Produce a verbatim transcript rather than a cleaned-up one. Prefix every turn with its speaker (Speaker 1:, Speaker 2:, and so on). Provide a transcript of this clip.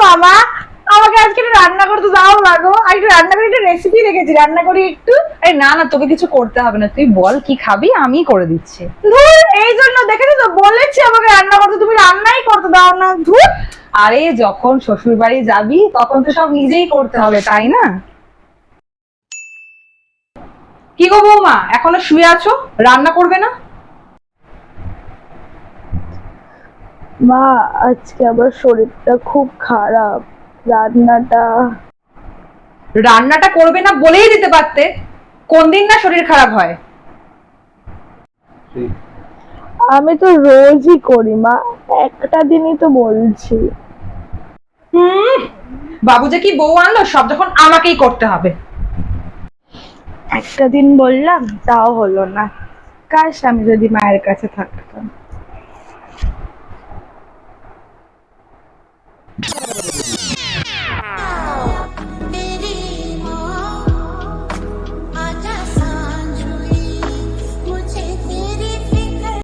Speaker 1: মামা, আমাকে আজকে একটু রান্না করতে দাও না গো। আর একটু রান্না করে একটা রেসিপি রেখেছি, রান্না করি একটু।
Speaker 2: আরে না না, তোকে কিছু করতে হবে না, তুই বল কি খাবি, আমি করে দিচ্ছি।
Speaker 1: ধুর, এই জন্য দেখেছো তো, বলেছি আমাকে রান্না করতে, তুমি রান্নাই করতে দাও না। ধুর।
Speaker 2: আরে যখন শ্বশুর বাড়ি যাবি তখন তো সব নিজেই করতে হবে, তাই না? কি গো বৌমা, এখনো শুয়ে আছো, রান্না করবে না?
Speaker 1: মা, আজকে আমার শরীরটা খুব খারাপ, রান্নাটা।
Speaker 2: রান্নাটা করবে না বলেই দিতে পারতে, কোন দিন না শরীর খারাপ হয়।
Speaker 1: আমি তো রোজই করি মা, একটা দিনই তো বলছি।
Speaker 2: হুম, বাবু যে কি বউ আনলো, সব যখন আমাকেই করতে হবে।
Speaker 1: একটা দিন বললাম, তাও হলো না। কাশ আমি যদি মায়ের কাছে থাকতাম।